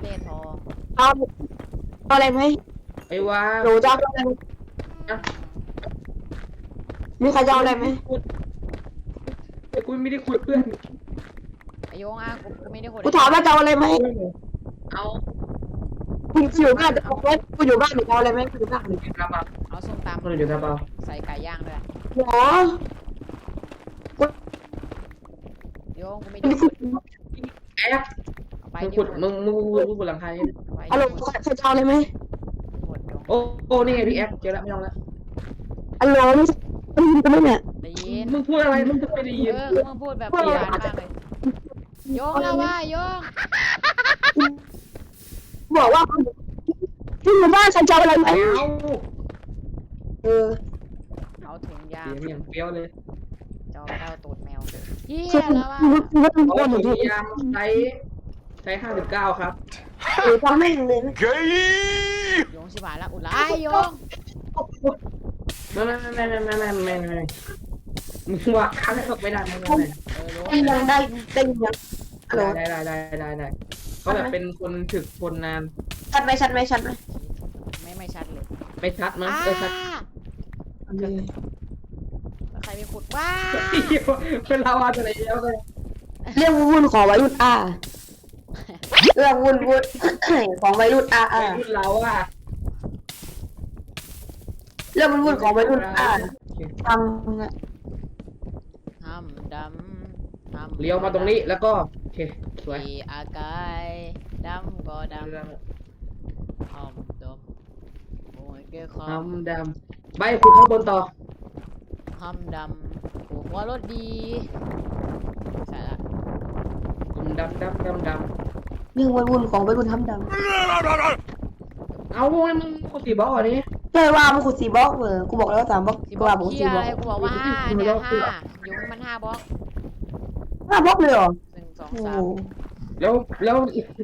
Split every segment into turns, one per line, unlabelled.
ได้ทอง
เอาอะไรไหม
ไอ้วา
หนูจะเอาอะไรมีใครจะเอาอะไรไหม
ไอ้กูไม่ได้คุยเพื่อน
ไอโยงอ่ะกูไม่ได้คน
กูถามว่าจะเอาอะไรไหม
เอา
กูอยู่บ้านจะเอาไหมกูอยู่บ้านหนูเอาอะไรไหมกูอยู่บ้าน
คนอยู่ตาเปล่า
เอาส้มต
คนอยู่ตาเปล่า
ำใส่ไก่ย่างด้วย
หรอกู
โยงกูไม่
ไม่
ได้
คุย
แอบ
เอาไป
มึง
ดิ
ขุดมึงบนหลังคาเนี่ย
เอาลูกใครจะเอาอะไรไหม
หมดโยง
โอ้นี่ไงพี่แอฟเจอแล้วไม่ต้องแล้ว
อัลโหลไม่ยินกันไหมเนี่ย
ได้ยิน
มึงพูดอะไรมึงไม่ได้ยิน
มึงพูดแบบปียานมากเลยโยงแล้วว่าโยง
บอกว่าที่หมู่บ้านใครจะเอาอะไรไหม
เอา
เออ
เอาถุงยาง
เสียงอย่างเปรี้ยวเลย
เจ้าตูดแมวเฮีย
คือ
แล้วว่า
คือว่าต้อง
โอ้
โอนหนู
ถุ
ถู
ง
ก
ยางใช้59ครับ
หรือทำแม่งเลย
โยงชิบหายแล้วอุดไล่โยง
ไม่มึงว่าค้างไม่ได้ไม่
โยง
ได้ยังได้ยังฮัลโหล
ได้ก็แบบเป็นคนถึกคนนาน
ชัดไหมชัดไหมชัดไหม
ไม่ชัดเลย
ไม่ชัดมั้งชัด
ใครไปขุดว้า
เป็นลาวาอะไรแล้วเลย
เรื่องวุ่นของวัยรุ่นอาเรื่องวุ่นของวัยรุ่นอา
รุ่นเราอ่ะ
เรื่องวุ่นของวัยรุ่นอาทำ
ทำดำทำ
เลี้ยวมาตรงนี้แล้วก็โอเคสวย
ขี่อากายดำก็ดำทำดำโอ้ยเกี่ยวค
ทำดำใบขุดข้างบนต่อ
ทำดำหัวรถดีใช่ละ
ดำ
เรื่องวุ่นของวัยรุ่นทำดัง
เอาพวกนี้มึงขุดสีบล็อกอันนี้
ใช่ว่ามันขุด4 บล็อกกูบอกแล้ว3 บล็อก
สิ
กู
บล็อ
ว่าก ผม
เฮีย
4 บล็
อะ
อก
ไรกูบอกว่าห้าเนี่ยห้ายุงมัน5 บล็อก
5 บล็อกเลยเหรอ
1 2
โอ้
3
แล้ว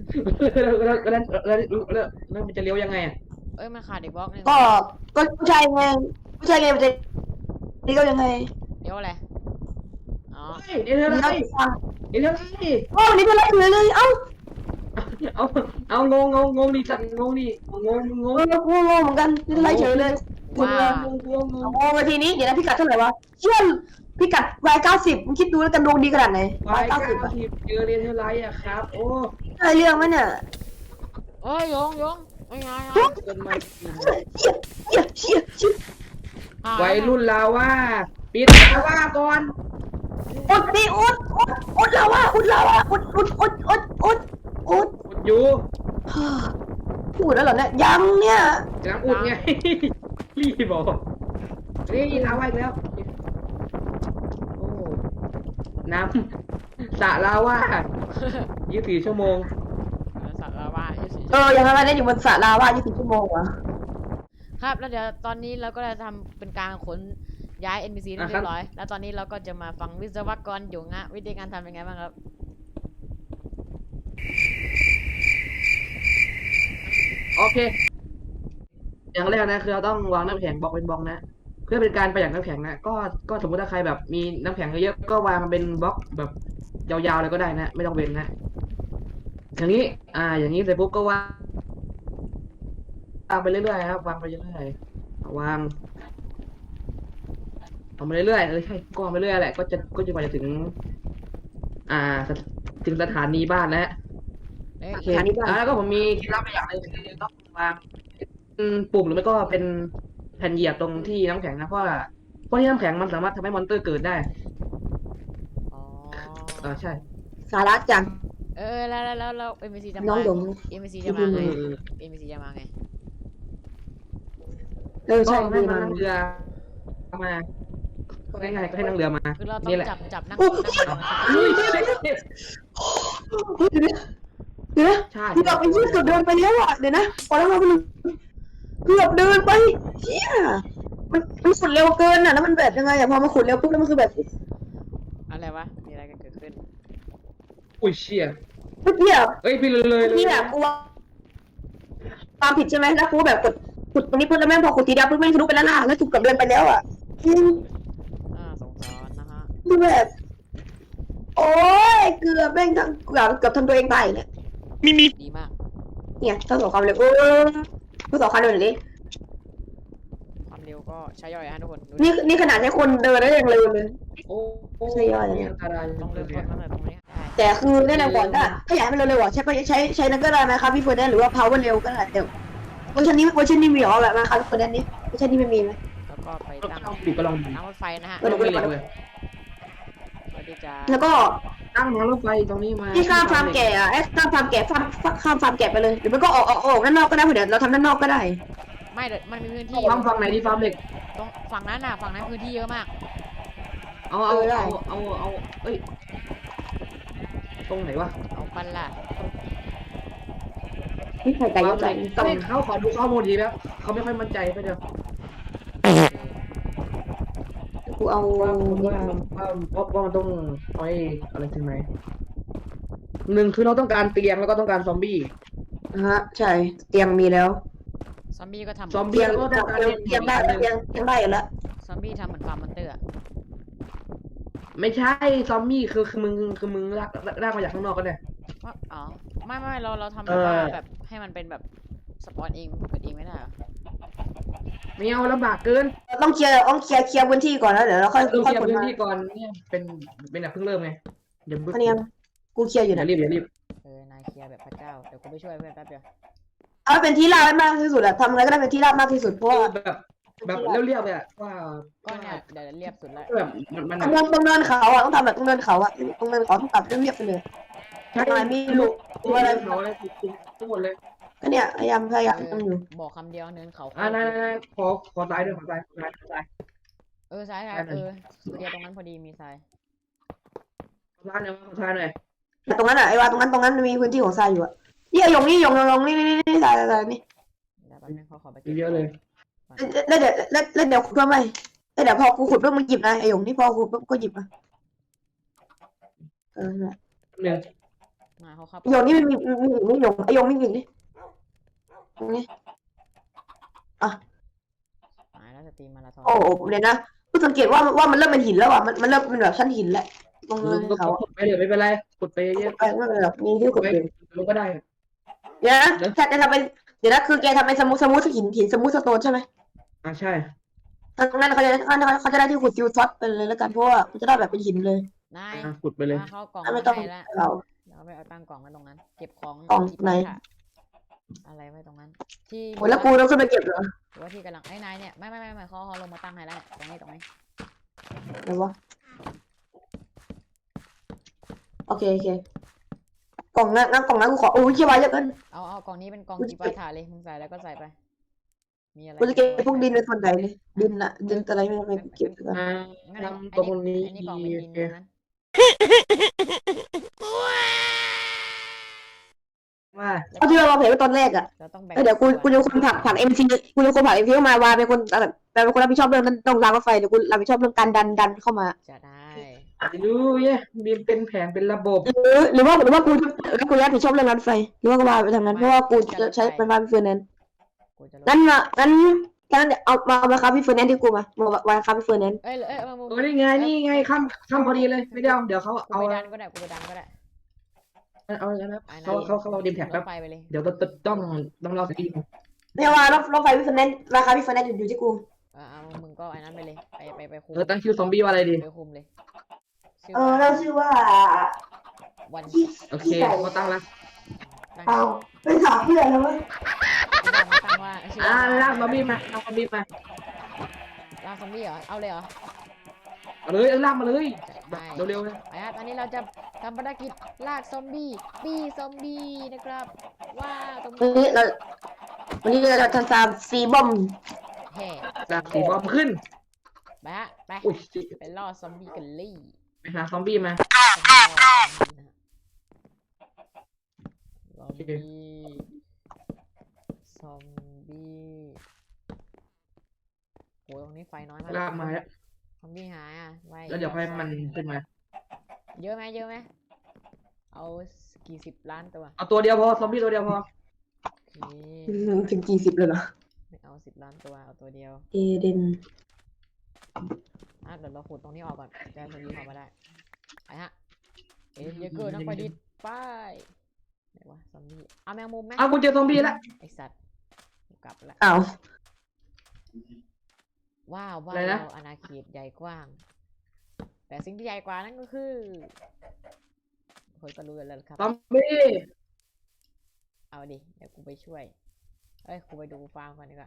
มันจะเลี้ยวยังไงอ่ะ
เอ้ยมันขาดอีกบล็อกนึง
ก็ผู้ชายไงผู้ชายไงมันจะนี่ก็ยังไง
เดี๋ยวอะไรอ๋อ
เดี๋ยวอะไรเดี๋ยวอะไร
โอ้นี่เป็นไรเลยเอ้า
เอางงดิสัตว์งงดิงง
งงเหมือนกันนี่เป็นไรเฉยเลย
ว้า
งง
โอ้นาทีนี้เดี๋ยวนะพิกัดเท่าไหร่วะเชื่อพิกัด190มึงคิดดูแล้วกันดวงดีขนาดไหน
ไปเก้า
190อ่ะ
สิบเจอเรียนเท่าไรอะครับโอ้
ได้เรื่องไหมเนี่ย
เอ้ยยงไม่ไง
เกินมา
เชี่ย
วัยรุ่นลาว่าปิดลาว่าก่อน
อุดดิอุดลาวาอุด
กดอยู่
พูดแล้วเหรอเนี่ยยังเนี่ย
กำลังอุดไงรีบบอกนี่ลาว่าอีกแล้วโอ้น้ำสระลาว่า24 ชั่วโมง
สัตว์ละว่า
ยังไงได้อยู่บนสระลาวา24 ชั่วโมงวะ
ครับแล้วเดี๋ยวตอนนี้เราก็จะทำเป็นการขนย้าย NPC เรียบร้อยแล้วตอนนี้เราก็จะมาฟังวิศวกรอยู่งะวิธีการทำเป็นไงบ้างครับ
โอเค อย่างแรกนะคือเราต้องวางน้ำแข็งบล็อกเป็นบล็อกนะ เพื่อเป็นการประหยัดน้ำแข็งนะก็สมมติถ้าใครแบบมีน้ำแข็งเยอะๆก็วางเป็นบล็อกแบบยาวๆเลยก็ได้นะ ไม่ต้องเว้นนะ อย่างนี้อย่างนี้เสร็จปุ๊บก็วางไปเรื่อยๆครับวางไปเรื่อยๆวางเอาไปเรื่อยๆใช่ก็วางไปเรื่อยแหละก็จะมาถึงถึงสถานีบ้านแล้ว
เอ้ย
โอเคแล้วก็ผมมีเคล็ดลับอย่างหนึ่งคือต้องวางปุ่มหรือไม่ก็เป็นแผ่นเหยียบตรงที่น้ำแข็งนะเพราะที่น้ำแข็งมันสามารถทำให้มอนเตอร์เกิดได้
อ๋อ
ใช่
สาระจัง
แล้ว NPC จะ
น้
มา
องดง
NPC จะมาไง NPC จะมาไง
ก็
ใช่
ให้
ดี
มัน
มา
นั่งเรือมาก็ง่ายๆก็ให้นั่งเรือมา
คือเราต้อ
นี่
ง
แหละ
จับนั่ง
อุ้ย
นั่ง
เดี๋ยวนะ
ใช่
เกือบไปยืดเกือบเดินไปแล้วอ่ะเดี๋ยวนะพอแล้วมันเกือบเดินไปเชี่ยมันขุดเร็วเกินอ่ะแล้วมันแบบยังไงอ่ะพอมาขุดเร็วปุ๊บแล้วมันคือแบบ
อะไรวะมีอะไรกันเกิดขึ้น
อุ้ยเชี่ย
เมื่อกี้อ่ะ
เอ้ยพี่เลย
นี่แหละกูว่าความผิดใช่ไหมแล้วกูแบบกดขุดตรงนี้ปุ๊บแล้วแม่งพอขุดทีเดียวปุ๊บแม่งทะลุไปแล้วล่ะแล้วถูกกับเดินไปแล้วอ่ะ
สงสารนะฮะ
คือแบบโอ้ยเกือบแม่งเกือบทำตัวเองตายเนี่ย
ดีมาก
เนี่ยทดสอบความเร็วทดสอบความเร็วหน่อยดิ
ความเร็วก็ใช้ย่อยฮะทุกคนดูดิ
นี่ขนาดใช้คนเดินได้ยังเร็วเลย
โอ้
ใช่ย่อยเลยเนี่ย
อันตราย
ต้องเริ่มต้นตั้งแต่ตรงนี้ได้
แต่คือแนะนำก่อนถ้าอยากให้มันเร็วๆอ่ะใช้นั่นก็ได้นะครับพี่เฟิร์นหรือว่า power เร็วก็ได้เดี๋ยวเวอร์ชันนี้มีเหรอแบบนะครับพี่เฟิร์นนี้เวอร์ชันนี้ไม่มีไหม
แล้วก็ไปตั้ง
ก็ลองดู
น้ำรถไฟนะฮะ
เออ
ต้องมีเหล็กเลย
เพื่อที่จะ
แล้วก็
ตั้งทางรถไฟตรงนี้มา
ที่ข้ามฟาร์มแกะอ่ะข้ามฟาร์มแกะข้ามฟาร์มแกะไปเลยหรือมันก็ออกด้านนอกก็ได้เดี๋ยวเราทำด้านนอกก็ได้
ไม่เดี๋ยวมันมีพื้นที่
ฟาร์มฝั่งไหนดีฟาร์มเหล็ก
ตรงฝั่งนั้นน่ะฝั่งนั้นพื้นที่เยอะมาก
เอาเอ้ยตรงไหนวะ
เอาปันล่ะ
นี่ไข่ไก่ยกใจ
ต้องให้เขาขอดูข้อมูลดีแล้วเขาไม่ค่อยมั่นใจไปเดี๋ยว
กูเอา
ว่ามันต้องไว้อะไรถึงไหนหนึ่งคือเราต้องการเตียงแล้วก็ต้องการซอมบี้
ฮะใช่เตียงมีแล้ว
ซอมบี้ก็ทำ
ซอม
เตี
บี้
ยง
ก็ต้องการ
เตียงได้เตียงได้อยู่แล้ว
ซอมบี้ทำเหมือนฟาร์มมอนเตอร์อะ
ไม่ใช่ซอมบี้คือมึงลากมาจากข้างนอกก็ได้
ว่าอ๋อไม่เราทำ
เอ
แบบ
อ
ว่าแบบให้มันเป็นแบบสปอนเองเกิดเองไม่ได้เหรอ
ไม่เอาลำบากเกิน
ต้องเคลียร์พื้นที่ก่อนแล้วเดี๋ยวเราค่อย
เริ่ม
ค่
เค
อย
ลียร์
ขน
พื้น
มา
ที่ก่อนเนี่ยเป็นแบบเพิ่งเริ่มไงเดี๋ยว
อันนี้กูเคลียร์อยู่
อย่า
นะ
รีบอย่ารีบ
นายเคลียร์แบบพระเจ้าเดี๋ยวกูไปช่วยเพื่อนแป๊บเดียว
เอาเป็นที่ราบให้มากที่สุดอะทำอะไรก็ได้เป็นที่ราบมากที่สุดเพราะว่า
แบบเรียบๆเลยอะว่า
ก็เนี่ยเดี๋ยวเรียบสุดแล้ว
แบบมัน
ต้องเดินเขาอะต้องทำแบบต้องเดินเขาอะต้องเดินเขาต้องตัดเรียบๆไปเลย
ใช่
ไม่รู้อะไร
เขาอะไรทุกหมดเลย
ก็เนี่ยพยายามต้องอยู่
บอกคำเดียวเนินเขา
นายขอซ้ายด้วยขอซ้าย
ซ้ายเคลียร์ตรงนั้นพอดีมีทราย
ขอซ้ายหน่อย
แต่ตรงนั้นอะไอ้ว่าตรงนั้นมีพื้นที่ของทรายอยู่อะนี่ยงนี่ทรายนี่
เดี๋ยวแป๊บนึงเขาขอไป
เยอะเลย
แล้วเดี๋ยวขุดเพิ่มไหมแล้วเดี๋ยวพอกูขุดเพิ่มมึงหยิบนะไอ้ยงนี่พอขุดเพิ่มก็หยิบอะ
หนึ่ง
มาเขาเข้า
ไอ้ยงนี่มันมียงไอ้ยงไม่มีนี่นี่
หายแล้วสตรีมมาราธอน
โอ้เดี๋ยวนะกูสังเกตว่ามันเริ่มเป็นหินแล้วอ่ะมันเริ่มเป็นแบบชั้นหินแล้วตรงเนินเขา
ขุดไปเดี๋ยวไม่เป็นไรขุดไปเยอะ
ไปไม่เป็นแบบมีที่ขุดอยู่
ลงก็ได้
เดี๋ยวนะแกจะทำเป็นเดี๋ยวนะคือแกทำเป็นสมูทหินสมูทสโตนใช่ไหม
ใช่
ทางนั้นเขาจะได้ที่ขุดซิลท็อตไปเลยแล้วกันเพราะว่ามันจะได้แบบเป็นหินเลย
นาย
ขุดไปเลย
มาเข้ากล่อง
ไม่ต้อง
ให้แล้ว
เรา
เดี๋ยวเอาไปเอาตั้งกล่องไว้ตรงนั้น เก็บของ
กล่องไหน
อะไรไว้ตรงนั้น ที่
โอ้แล้วกูต้องขึ้นไปเก็บเหรอ
หรือว่าที่กำลังไอ้นายเนี่ยไม่เขาลงมาตั้งให้แล้วตรงนี้
ไหนวะโอเคกล่องนั้นกูขอโอ้ยเชี่ยวไว้เยอะเกิน
เอากล่องนี้เป็นกล่องจีปาถาเลยมึงใส่แล้วก็ใส่ไป มีอะไร
กูจะเก็บพวกดินในส่วนไหนเลยดินอะไรไม่เก็บกัน
งั้น
ทำตรงนี้
อันนี้กล่องเป็นดินตรงนั้น
ว่า
เอาที่เราเผยไว้ตอนแรกอ่ะ
เราต้องแบ่ง
เดี๋ยวกูจะคนผักเอ็มซีกูจะคนผักเอ็มซีเข้ามาวาเป็นคนรับผิดชอบเรื่องนั้นต้องรางรถไฟเดี๋ยวกูรับผิดชอบเรื่องการดันเข้ามา
จะได้
ดูเย่มีเป็นแผนเป็นระบบ
หรือว่ากูรับผิดชอบเรื่องรถไฟหรือว่ากูวาไปทางนั้นเพราะว่ากูจะใช้เป็นวาพี่เฟอร์แนนซ์
กูจะลง
งั้นเดี๋ยวเอามาครับพี่เฟอร์แนนซ์ที่กูมาครับพี่เฟอร์แนนซ์
เอ้ยมึง
นี่ไงข้ามพอดีเลยไม่ได้เดี๋ยวเขา
กู
เอา
ไปดันก็ได้กูไปดันก็ได้
เอาแล้วนะเขาเอาดิมแท็ก
ร
แป๊บ
ถไฟไปเลย
เดี๋ยวต้องรอสักที
เนี่ยว่ารถไฟพี่เฟอร์แนนซ์ราคาพี่เฟอร์แนนซ์อยู่ที่กู
เอามึงก็ไอ้นั้นไปเลยไปคุม
ตั้งชื่อซอมบี้ว่าอะไรดี
ไปคุมเลยชื่อ
เราชื่อว่า
วัน
โอเคเขาตั้งแล้ว
ตั้ง
เอาไปถามเพื่อนแล้วว่า
ตั้งว่าชื่อ
ลากซอมบี้มาลากซอมบี้มา
ลากซอมบี้เหรอเอาเลยเหรอ
เอาเลยลากมาเลยเร็วๆเลย
ไปครับอันนี้เราจะทำภารกิจลากซอมบี้ปี้ซอมบี้นะครับว่าตรง
วันนี้เราจะทำซีบอม
แห่
ลากสีบอมขึ้น
ไปฮะไป
อุ้ย
ไปล่อซอมบี้กันเลย
ไปหาซอมบี้มา
ซอมบี้ซอมบี้โหตรงนี้ไฟน้อยมาก
ลากมาแล้ว
ซอมบี้หายอ่ะไว้
แล้วเดี๋ยวให้มันขึ้นมา
เยอะไหมเอากี่สิบล้านตัว
เอาตัวเดียวพอซอมบี้ตัวเดียวพอ
โอเค
ถึง40เลยเหรอ
ไม่เอา10 ล้านตัวเอาตัวเดียว
เอเดน
เดี๋ยวเราขุดตรงนี้ออกก่อนจะซอมบี้เข้ามาได้ไปฮะเยอะเกินนักประดิษฐ์ไปไหนวะซอมบี้เอาแมงมุมไหม
เอากูเจอซอมบี้แล้ว
ไอสัตว์กูกลับละ
อ้าว
ว้าวบ้านเราอาณาเขตใหญ่กว้าง แต่สิ่งที่ใหญ่กว่านั้นก็คือคนก็รู้กันแล้วครับ
ซอมบี้
เอาดิเดี๋ยวกูไปช่วยเอ้ยกูไปดูฟาร์มก่อนดีกว่า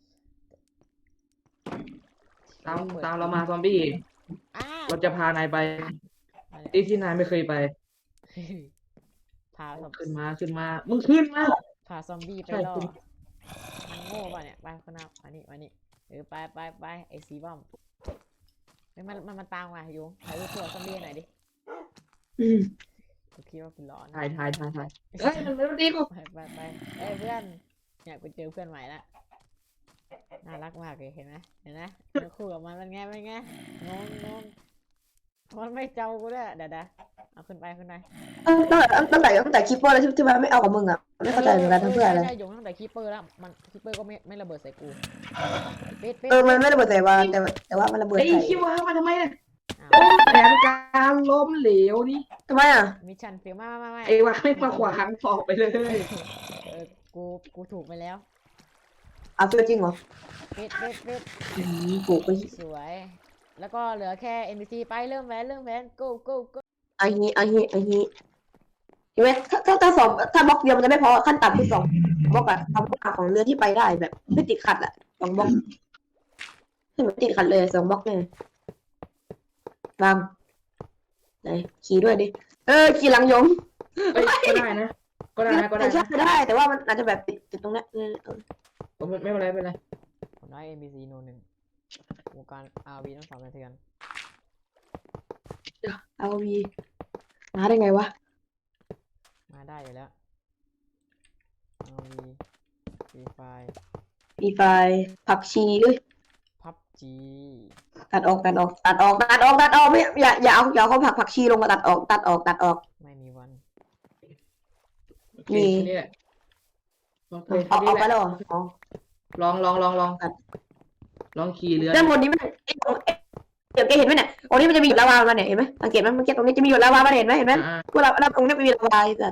ตามเรามาซอมบี้
อ้า
เราจะพานายไปที่นายไม่เคยไป
พาซอม
ขึ้นมามึงขึ้นมา
พาซอมบี้ไป
ใช่
ล่อ
คุณ
มันโง่ป่ะเนี่ยไปคนนับมานี่ไปไอ้สีบอมเฮ้ยมันตามมาอยู่ถ่ายรูปตัวซอมบี้หน่อยดิ
อืม
กูคิดว่ากูร้อน
ถ่ายเฮ้ยมันไม่ดีกู
ไปเอ้ยเพื่อนเนี่ยกูเจอเพื่อนใหม่ละน่ารักมากเลยเห็นไหมมันคู่กับมันเป็นไงงงมันไม่เจ้ากูด้วยเดี๋ยวเอาขึ้นไป
ตั้งแต่คิปเปอร์แล้วที่มันไม่เอากับมึงอ่ะไม่เข้าใจเหมือนกันทั้งเพื่ออะไร
ใช่ยงตั้งแต่คีเปอร์แล้วมันคีเปอร์ก็ไม่ระเบิดใส่กูปิด
มันไม่ระเบิดใส่วาแต่ว่ามันระเบิด
ไอ้
ใส่
คิดว่ามาทำไมเนี่ย
อ้าว
แผนการล้มเหลวนี่
ทำไมอ่ะ
มิชชั่นเฟลไม่
ไอ้วะไม่มาขวางออกไปเลย
กูถูกไปแล้ว
เอาเฟลจริงเหรอ
ปิด
ปลูกไป
สวย แล้วก็เหลือแค่ NPC ไปเริ่มแวน go
ไอ้นี้เห็นไหมถ้าสองถ้าบล็อกเดียวมันจะไม่พอขั้นต่ำคือ2 บล็อกอะความกว้างของเรือที่ไปได้แบบไม่ติดขัดอะ2 บล็อกให้มันติดขัดเลย2 บล็อกเนี่ยวางไหนขี่ด้วยดิขี่หลังยง
ก็ได้นะก็ได้
ใช่ได้แต่ว่ามันอาจจะแบบติดตรงเนี้ย
ไม่เป็นไร
ผมได้ NPC โนหนึ่งวงการ RV ต้องสั่นสะเทือน
เอาวีมาได้ไงวะ
มาได้อยู่แล้ว RV Free Fire
มีไฟผักชีด้วย
PUBG
ตัดออกไม่อย่าเอาเขาผักชีลงมาตัดออก
ไม่มีวัน
โอเคนี่แหละโอเค
เอาไปแล้วอ๋อ
ลองขี่เรือ
ด้านบนนี้มันเดี๋ยวแกเห็นไหมเนี่ยตรงนี้มันจะมีหยดลาวามาเนี่ยเห็นไหมสังเกตไหมเมื่อกี้ตรงนี้จะมีหยดลาวามาเห็นไหมพวกเราตรงนี้มีลาวาแต่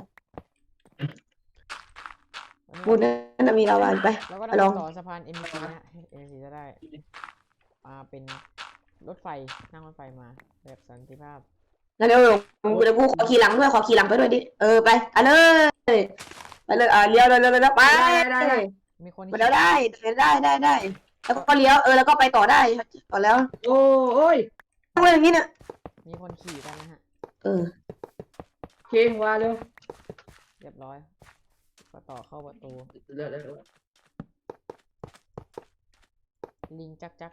บนนั้นมีลาวาไป
แล้วก็
ลอง
ต่อสะพาน NPC นะ NPC จะได้เป็นรถไฟนั่งรถไฟมาแบบสันติภาพ
แล้วเดี๋ยวกูขอขี่หลังด้วยไปด้วยดิไปเลยเลี้ยวเลยไป
ได้
มีคน
แล้วได้แล้วก็เลี้ยวแล้วก็ไปต่อได้ต่อแล้ว
โอ้ย
ต้องเล่นอย่างนี้เนี่ย
มีคนขี่กันนะฮะ
เคว่าเร็ว
เรียบร้อยก็ต่อเข้าประตู
เร็ว
ลิงจัก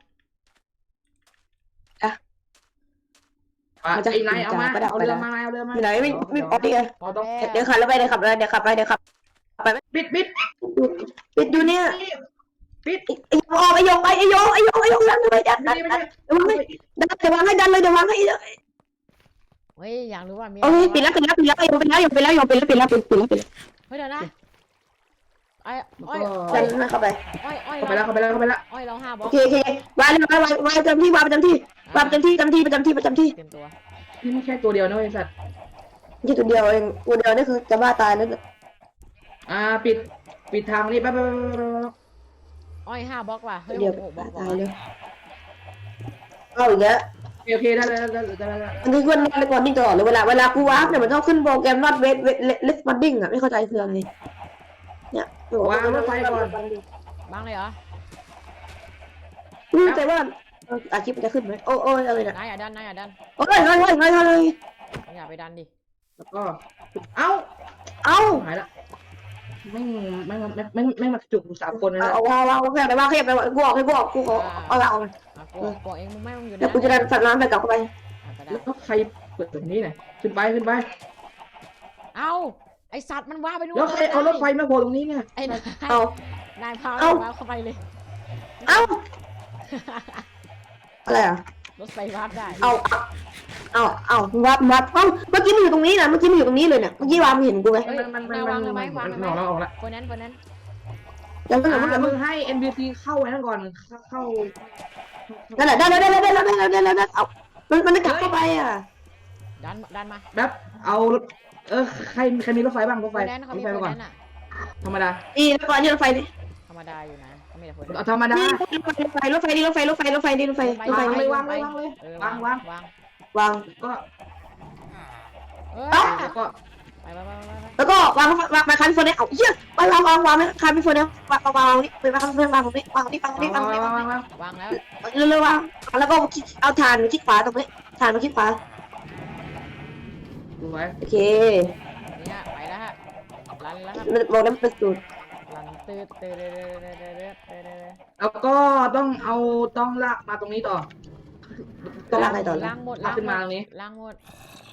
ไอ้นายเอามาเอาเรือมา
ไหนไม่ออกดิ
พอต้อง
เดี๋ยวขับแล้วไปเดี๋ยวขับปิดอยู่เนี่ยไอ้ยงไอ้ยงดันเลยดันเดี๋ยววางให้ดันเลยเดี๋ยววางให้
เฮ้ยอยากรู้ว่ามี
โอ้ยปิดแล้วยงไปแล้วเฮ้ยเดี๋ยวนะ
เฮ้ยอ้อย
ดันเข้าไป
เข้าไปแล้ว
อ้อยเรา5 บล็
โอ
อก
เควางประจำที่เตรียมตัว
นี่ไม่แค่ตัวเดียวนะไอ้สัตว์
ที่ตัวเดียวเองตัวเดียวนี่คือจะบ้าตายแล้ว
ปิดทางนี้ไป
อ้อย5 บล็อกว่ะเฮ้ย
เดี๋ยว
6 บล็อก
ตายเลยเอาอีกแล้ว
โอเคได้
มันคือคนในก่อนนิ่งตลอดเลยเวลากูวาร์ปเนี่ยมันต้องขึ้นโปรแกรม not wait list funding อ่ะไม่เข้าใจคืออะไรเนี่ย
วางรถไฟก่อน
บ้างเลยเหรอ
ไม่รู้ใจว่าอาชีพมันจะขึ้นไหมโอ้ยอะไรเนี่ย
นายอย่าดัน
โอ้ย
อย่าไปดันดิ
แล้วก็เอ้าหายละไม่มาจุก3 คนนะ
เอาแค่ไปว่ากูออกกูขอเอาละเอา
กเองมึงไม่ต้องอยู่
เดี๋ยวกูจะดันฝันน้ำไปกลับเข้าไป
แล้วก็ใครเปิดตรงนี้หน่อยขึ้นไป
เอาไอสัตว์มันว่าไปนู่น
แล้วใครเอารถไฟมาโผล่ตรงนี้เนี่ย
ไอ้นาย
เอา
นายพาเข้าไปเลย
เอาอะไรอ่ะ
รถไฟวาร์ปได้
เอาวัดเมื่อกี้มันอยู่ตรงนี้นะเมื่อกี้มันอยู่ตรงนี้เลยเนี่ยเมื่อกี้วางเห็นกูไหม
นายวางเลยไหม
ออกละ
คนนั้น
ยังไม่
มึงให้ NPC เข้าไว้นั่นก่อนเข้า
นั่นแหละได้เอามันจะกลับเข้าไปอ่ะ
ดันมา
แบบเอารถใครมีรถไฟบ้างรถ
โฟ
ไฟ
แนนซ์เขา
ร
มี
ถไฟ
โฟ
มาก่
แน
อน
นซ์อ่ะ
ธรรมดา
นี่รถไฟนี่รถไฟนี่
ธรรมดาอยู่นะเขามีแต่โฟแนน
เอา
ซ์
ธรรมดา
นี่รถไฟนี่รถไฟรถไฟรถไฟนี่รถไฟรถไฟ
วาง
นี่
เลยวางเลยวางเลย
เออ
วาง
วาง
วาง
ก็
เอ้ย
แล้วก็
ไป
แล้วก็วางไปคันโฟนเนี่ยเอาเหี้ยวางคันโฟนเนี่ยวางนี่ไปวางคันโฟนวางตรงนี้วางนี่วางนี่วางนี่วางนี่
วางแล้ว
เร็วๆวางแล้วก็เอาถ่านมาที่ขวาตรงนี้ถ่านมาที่ขวา
ดูไว้
โอเค
เนี่ยไปแล้วฮะรันแล้วครับ
มันบอกแล้วมันเป็นสูตร
รันตืดตืด
แล้วก็ต้องลากมาตรงนี้ต่อ
ต้องลากอะไรต่อ
ล้างหมด
ลากขึ้นมาตรงนี้
ล้างหมด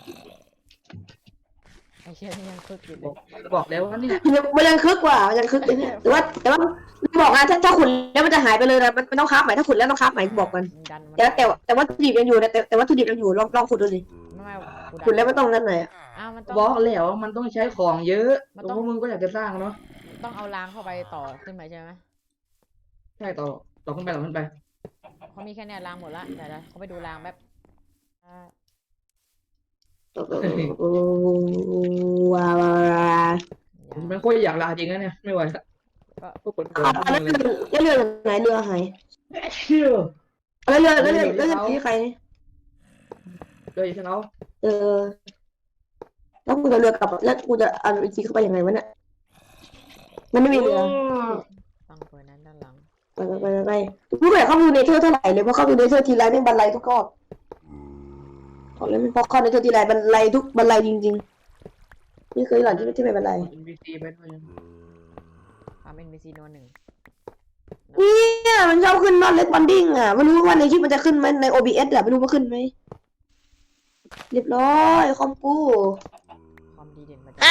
ไอ้เชี่ยนี่ยังคึกอยู่เลย
บอกแล้วว่านี่
มันยังคึกกว่ามันยังคึกไปเนี่ยแต่ว่าบอกนะถ้าขุนแล้วมันจะหายไปเลยนะมันต้องคราฟใหม่ถ้าขุนแล้วต้องคราฟใหม่บอกกัน
ดันมัน
แต่ว่าทุดิบยังอยู่นะแต่ว่าทุดิบยังอยู่ลองขุดดูสิ
ไม่
ขุดแล้วไม่ต้องนั่นหน่อย
อ้าวมันต้อง
บอกแล้วมันต้องใช้ของเยอะ
มัน
พ
ต้อง
วกมึงก็อยากจะสร้างเนาะ
ต้องเอาล้างเข้าไปต่อขึ้นไปใช่ไหม
ใช่ต่อขึ้นไปต่อขึ้นไป
เขามีแค่เนี้ยล้างหมดละเดี๋ยวเขาไปดูล้างแบบ
ว้าว
มันโคตรอยากลาจริงนะเนี่ยไม่ไหวละพวกคนเกิด
แล้วเรือไหนเรือหาย
เชื่อ
แล้วเรือที่ใคร
เลยฉันเอา
แล้วกูจะเรือกลับแล้วกูจะเอาอีกทีเข้าไปยังไงวะเนี่ยมันไม่มีเรือ
ฟังเฟอร์นั้นด้านหลัง
ไปกูไม่อยากเข้าดูเนเธอร์เท่าไหร่เลยเพราะเข้าดูเนเธอร์ทีไรแม่งบันไลทุกรอบบอกเลยเพราะเข้าเนเธอร์ทีไรบันไลทุกบันไลจริงๆนี่เคยหลังที่ไม่บันไล
NPC ไปด้วย
ทำ NPC โนหนึ่ง
เนี่ยมันชอบขึ้นนอนเล็กบันดิ้งอ่ะไม่รู้ว่าในคลิปมันจะขึ้นไหมใน OBS อ่ะไม่รู้ว่าขึ้นไหมเรียบร้อยคอมกู
ความดีเด่นมาจาก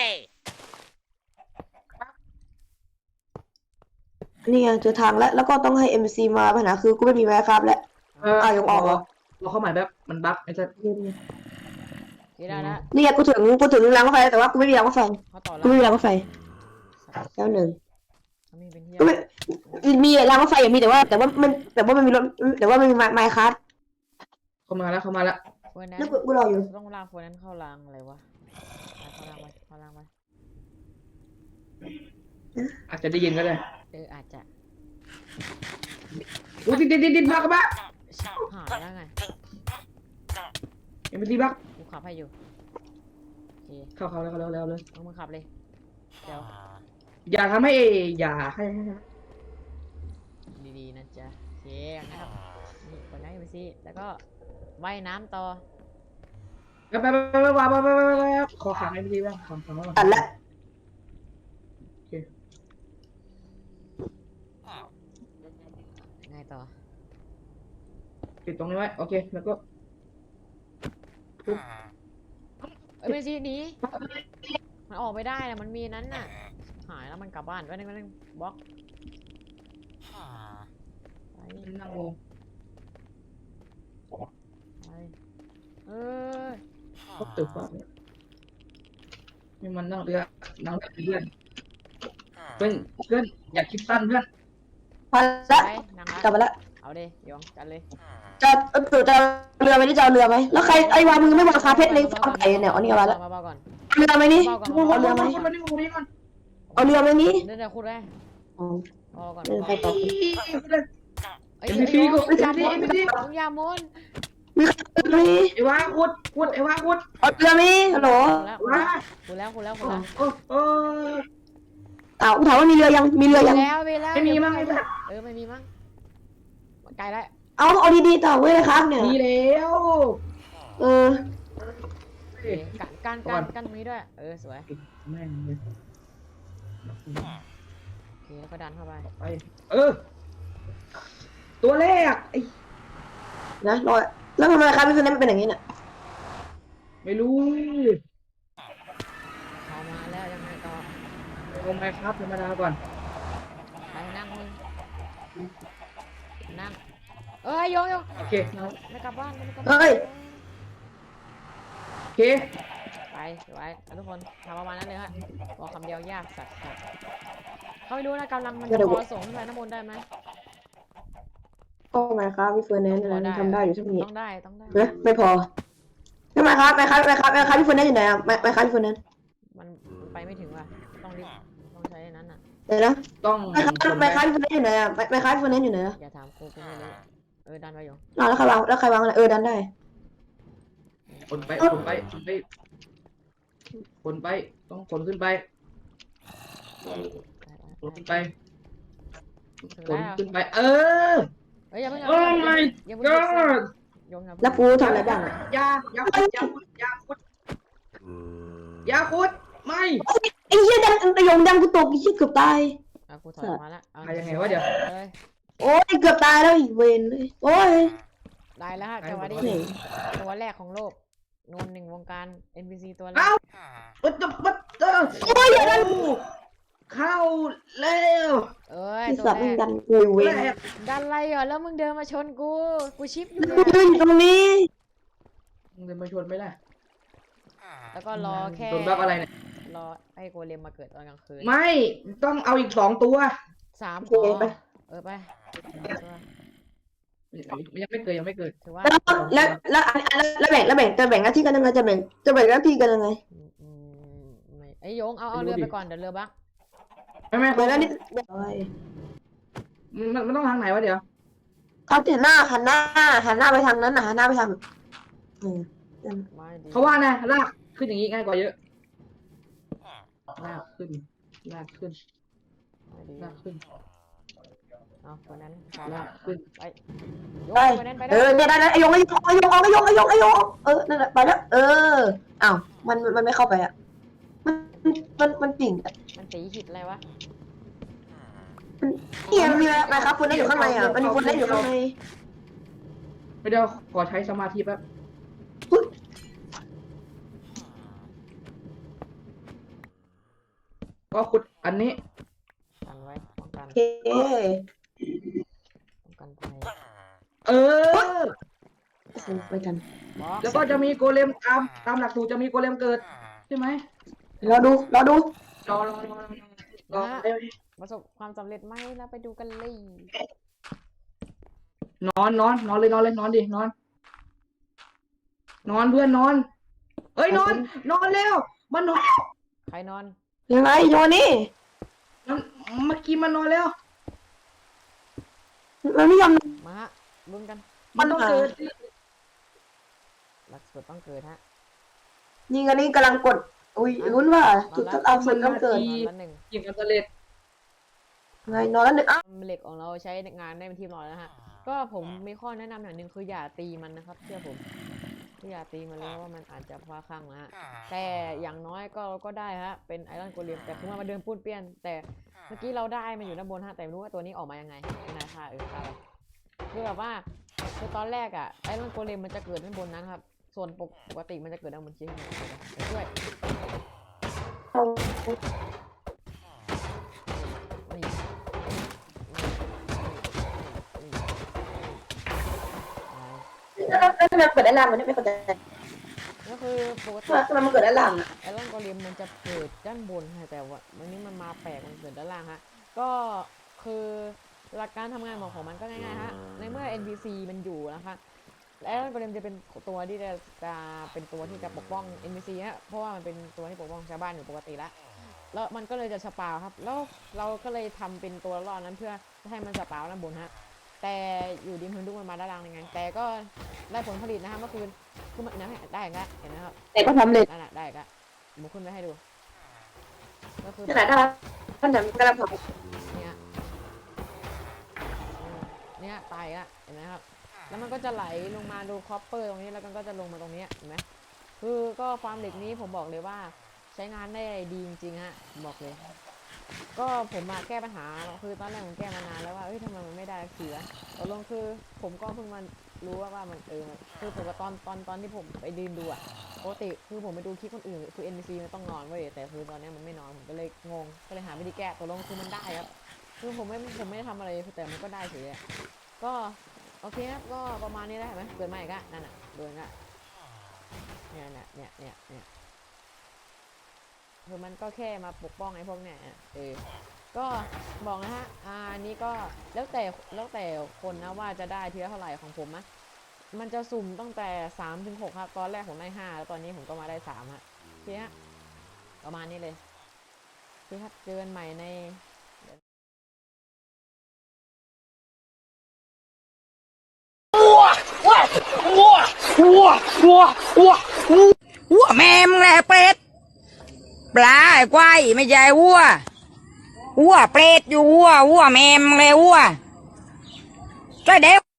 นี่ไงเจอทางแล้วก็ต้องให้ MC มาปัญหาคือกูไม่มีไม้ครับแล้วยังออกเหรอ
เราเข้าหมายแบบมันบั๊กไอ้สัส
ที่ได้แล้ว
นี่ไงกูถึงรางรถไฟแต่ว่ากูไม่มีรางรถไฟ
เขาต่อ
กู
แล้ว
ไม่มีรางรถไฟแล้วหนึ่ง
เขามีเป็นที่
ก็ไม่มีรางรถไฟอย่างมีแต่ว่ามันมีรถแต่ว่ามันมีไม้คัส
เข้ามาแล้ว
เฟอร์นั้น
แล้วกูรออยู่
ต้องล้างเฟอร์นั้นเข้าล้างอะไรวะเข้าล้างไป
อาจจะได้ยินก็ได้
อาจจะ
อุ้ยดิดบั๊กบั๊ก
หายแล้วไง
NPC บั๊ก
กูขับให้อยู่โอเค
เข้าแล้วเลย
เอามึงขับเลยเดี๋ยว
อย่าทำให้อย่าให้
ดีๆนะจ๊ะโอเคนะครับนี่คนนั้น NPC แล้วก็ว่ายน้ำต่อ
ไปขอขัง NPC บ้างขังบ้าง
ตัดละ
ไงต่อ
ปิดตรงนี้ไว้โอเคแล้วก็
NPC หนีมันออกไม่ได้นะมันมีนั้นน่ะหายแล้วมันกลับบ้านไว้นึงบล็อกไป
นั่งลง
เออ
ก็ตึกว่านี่มันนั่งเรือเพื่อนอย่าคิดสั้นเพื่อน
พอละ
ไปนั่ง
กลับ
ละ
มาละ
เอาดิยองกันเลย
จะเรือไหมนี่จะเอาเรือไหมแล้วใครไอ้วามึงไม่วางคาเพชรในฟาร์มไก่เนี่ยเอานี่มาละ
มาเบาก่อน
เรือไหมนี่
เบาก่อน
เอาเรือไหม
มานี่ก่อน
เอาเรือไหมนี่
เดี๋ยวคุณได้
อ๋อ
รอก่อน
ใครตอบ
ไอ้
NPC
ย
ก็
มึ
NPC
งอย่ามน
มีใครเรือไหม
ไอ้วาขุดไอ้วาขุด
เอาเรือไหมฮัลโหล
วา
คุณแล้ว
โอ้
อ้าวกูถามว่ามีเรือยังมีเรือยัง
แล้ว
ไม่มีมั้ง
ไม่มีมั้งไกลแล้ว
เอาดีๆต่อเว้ยนะครับเนี่ย
มีแล้ว
เออ
กันตรงนี้ด้วยสวย
แม่งเลย
โอเคแล้วก็ดันเข้าไป
ไปตัวแรกไอ้
นะรอแล้วทำไมครับพี่คนนั้นมันเป็นอย่างนี้เนี่ย
ไม่รู้
เข้ามาแล้วยังไงต่อ
ลงไปครับธรรมดาก่อน
ไปนั่งมึงนั่งโยง
โอเค
ไม่กลับบ้าน
เฮ้ย
โอเค
ไปไว้ทุกคนทำประมาณนั้นเลยฮะบอกคำเดียวยากสัตว์เขาไม่รู้นะกำลังมันจะพอส่งขึ้นไปน้ำมนต์ได้ไหม
ก็ไงครับพี่เฟิร์นแนนซ์ทำได้อยู่ใช่ไหม
ต้องได้
ไม่พอไม่ครับพี่คนนั้นอยู่ไหนอ่ะไม่ครับพี่คนนั้น
มันไปไม่ถึงว่ะต้องรีบต้องใช้อันนั้นอ่ะ
เดี๋ยวนะ
ต้อง
ไม่ครับ
ขน
ไม่
ไป
ครับพี่คนนั้นอยู่ไหนอ่ะไม่ครับพี่คนนั้นอยู่ไหนอ่ะ
อย่าถามกูไม่รู้ดันไปอยู่
แล้วใครวางอะไรดันได้
ขนไปต้องขนขึ้นไปขนขึ้นไป
ถึง
ขน
แล้ว
ขึ้นไป เออ
เฮ้ยอย่าเพิ่ง
โอ้ my
อย่าเพิ่ง
god
ยงอย่า
แล้วกูทำอะไรบ้าง
อย่าขุดไม่
ไอ้เหี้ยดังดังกูตกไอ้เหี้ยเกือบตาย
กูถอยมาละ
ไปยังไงวะเดี๋ยว
เลย
โอ้ยเกือบตายแล้วอีกเวนเลยโอ้ย
ได้แล้วฮะจังหวะนี้ตัวแรกของโลกนนหนึ่งวงการ NPC ตัวแร
เอ้าก ปัดโอ้ยเข้าแล้ว
เอ้ย
ที่
ตัว
สัตว์
แร
มัน
ก
ดันกูเวน
แรก
ดันอะไรเหรอแล้วมึงเดินมาชนกูชิปอยู่
กูยืนอยู่ตรงนี้
มึงจะมาชวนไหมล่ะ
แล้วก็รอแค่
โดนบัฟอะไรเนี่ย
รอให้โกเลมมาเกิดตอนกลางคืน
ไม่ต้องเอาอีก2 ตัว
3
โอเคไป
ไป
ยังไม่เกิด
ถือว่า
แล้วแบ่งจะแบ่งหน้าที่กันยังไงจะแบ่งหน้าที่กันยังไง
ไม่ไอ้ยงเอาเรือไปก่อนเดี๋ยวเรือบัก
ไม่
เดี๋ยวแล้วนี่
มันต้องทางไหนวะเดี๋ยว
เขาหันหน้าไปทางนั้นนะหันหน้าไปทาง
ไม่ดี
เขาว่านะลากขึ้นอย่างนี้ง่ายกว่าเยอะลากขึ้น
ไม่ดี
ลากขึ้น
เอาคนนั้น
ลากขึ้น
ไปยง
ไป
คนนั้นไป
เนี่ยได้ไอ้ยงนั่นแหละไปแล้วอ้าวมันไม่เข้าไปอ่ะมันปิ่ง
มันตีหิดอะไรวะ
เนี่ยมีอะไรครับคนนั้นอยู่ข้างในอ่ะมันมีคนนั้นอยู่ข้างใน
ไม่เดี๋ยวขอใช้สมาธิแป๊บก็ขุดอันนี้
กันไว้ป้องกัน
โอเค
ป้องกันภัย
เออ
ไปกัน
แล้วก็จะมีโกเลมตามหลักสูตรจะมีโกเลมเกิดใช่ไหม
รอดู
รอ
ประสบความสำเร็จไหมแล้วไปดูกันเลย
นอนเลยนอนดินอนเพื่อนนอนเอ้ยนอนเร็วมันนอน
ใครนอน
ยังไงโยนี่
เมื่อกี้มันนอนแล้ว
มันไม่ยอม
มาฮะลุ้นกัน
มันต้องเกิด
หลักสูตรต้องเกิดฮะ
ยิงอันนี้กำลังกดอุ้ยลุ้นว่าจุดทดเอาสุดต้องเกิด
นอนละหนึ่ง
ยิงกันสำเร็จ
ไงนอนแล้วหนึ่ง
เหล็กของเราใช้ในงานได้เป็นที่เรียบร้อยแล้วนะฮะก็ผมมีข้อแนะนำอย่างหนึ่งคืออย่าตีมันนะครับเชื่อผมอย่าตีมันเลยเพราะว่ามันอาจจะพลาดคลั่งนะฮะแต่อย่างน้อยก็ได้ฮะเป็นไอรอนโกเลมแต่คือมันมาเดินปุ้นเปี้ยนแต่เมื่อกี้เราได้มันอยู่ด้านบนฮะแต่ไม่รู้ว่าตัวนี้ออกมายังไงไม่น่าค่ะครับคือแบบว่าคือตอนแรกอะไอรอนโกเลมมันจะเกิดด้านบนนั้นครับส่วนปกติมันจะเกิดด้านบนชิ้นช่วย
แล้วทำไมเกิดด้านล่างมันไม่เข้าใจ
ก็คือปกติ
ทำไมมันเกิดด้านล่างอ่ะ
ไอรอนโกเลมมันจะเกิดด้านบนฮะแต่ว่าวันนี้มันมาแปลกมันเกิดด้านล่างฮะก็คือหลักการทำงานของมันก็ง่ายๆฮะในเมื่อ NPC มันอยู่นะคะไอรอนโกเลมจะเป็นตัวที่จะเป็นตัวที่จะปกป้อง NPC ฮะเพราะว่ามันเป็นตัวที่ปกป้องชาวบ้านอยู่ปกติแล้วมันก็เลยจะสปาวครับแล้วเราก็เลยทำเป็นตัวรอดนั้นเพื่อให้มันสปาวด้านบนฮะแต่อยู่ดีมันดุมันมาด้านล่างยังไงแต่ก็ได้ผลผลิตนะฮะเมื่อคืนคือมันได้ก็เห็นไหมครับ
แต่ก็ทำเลย
นั่นแหละได้ก็บุกขึ้นไปให้ดูก็คือ
ขนาดนั้นท่านจะกำลังท
เนี่ยตายละเห็นไหมครับแล้วมันก็จะไหลลงมาดูคอปเปอร์ตรงนี้แล้วมันก็จะลงมาตรงนี้เห็นไหมคือก็ฟาร์มเหล็กนี้ผมบอกเลยว่าใช้งานได้ดีจริงๆฮะบอกเลยก็ผมมาแก้ปัญหาคือตอนแรกผมแก้มานานแล้วว่าทำไมมันไม่ได้เสียตกลงคือผมก็เพิ่งมารู้ว่ามันคือผมว่าตอนที่ผมไปยืนดูอะปกติคือผมไปดูคลิปคนอื่นคือ NPC มันต้องนอนเว้ยแต่คือตอนนี้มันไม่นอนผมก็เลยงงก็เลยหาวิธีแก้ตกลงคือมันได้ครับคือผมไม่ได้ทำอะไรแต่มันก็ได้เฉยก็โอเคครับก็ประมาณนี้ได้ไหมเกิดมาอีกอะนั่นน่ะเดินอะเนี่ยคือมันก็แค่มาปกป้องไอ้พวกเนี่ยก็บอกนะฮะอันนี้ก็แล้วแต่คนนะว่าจะได้ทีละเท่าไหร่ของผมนะมันจะสุ่มตั้งแต่3 ถึง 6ครับตอนแรกผมได้5แล้วตอนนี้ผมก็มาได้3ฮะโอเคฮะประมาณนี้เลยโอเคครับเจอกันใหม่ใน
วัวแม่มึงแหละเป็ดปลาไอ้ควายไม่ใช่วัวเป็ดอยู่วัวแม่มึงเลยวัวใช่เด็ก